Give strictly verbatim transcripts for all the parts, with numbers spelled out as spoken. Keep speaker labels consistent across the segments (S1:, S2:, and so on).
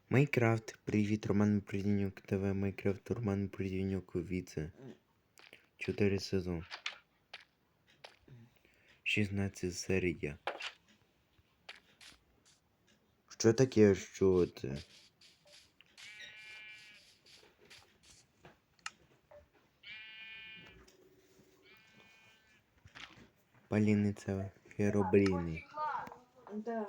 S1: Майнкрафт. Привіт, Роман Придінюк ТВ. Майнкрафт, Роман Придінюк Віце. Чотири сезон. шістнадцята серія. Що таке, що це? Паліниця Херобліни.
S2: Да.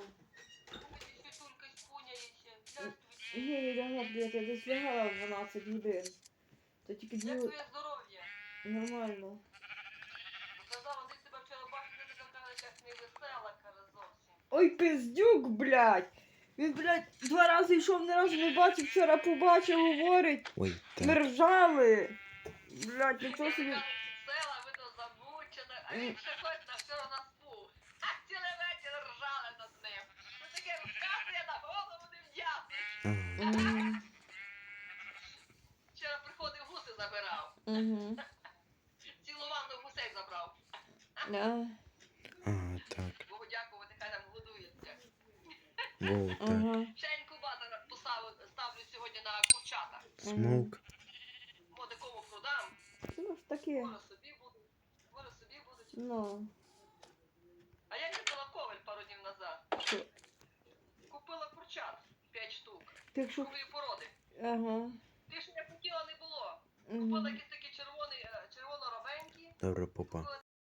S2: Ні, не лягла, блядь, я десь лягала в дванадцять годин. То тільки
S3: Як
S2: дві...
S3: твоє здоров'я?
S2: Нормально.
S3: Казала, десь тебе вчора бачити, ти така якась невесела, каже, зовсім.
S2: Ой, пиздюк, блядь! Він, блядь, два рази йшов, ні разу не бачив, вчора побачив, говорить.
S1: Ой,
S2: Ми
S1: так.
S2: ржали. Блядь, нічого собі.
S3: Така весела, видно, замучена, а він ще хоч на все нас був. А цілий вечір ржали над ним. Ну таке розказує на голову не в'ясний.
S1: Ага.
S2: Мгм.
S3: Вчора приходив, гуси забирав.
S2: Мгм.
S3: Цілу ванну гусей забрав.
S2: Да.
S1: Ага, так.
S3: Богу дякувати, хай там годується.
S1: Воу, так.
S2: Ага.
S3: Ще інкубатор поставив, ставлю сьогодні на курчата.
S1: Смок.
S3: Моди кому продам.
S2: Ну ж таке.
S3: Може собі будуть. Може собі будуть.
S2: Ну.
S3: А я їздила в Ковель пару днів назад.
S2: Що?
S3: Купила курчат п'ять штук.
S2: Ти якщо...
S3: Нової породи.
S2: Ага.
S3: Ти ж не хотіла, не було.
S2: Мгм.
S3: Купила якісь такі червоні, е, червоно-ровенькі.
S1: Добре, попа.
S3: Купила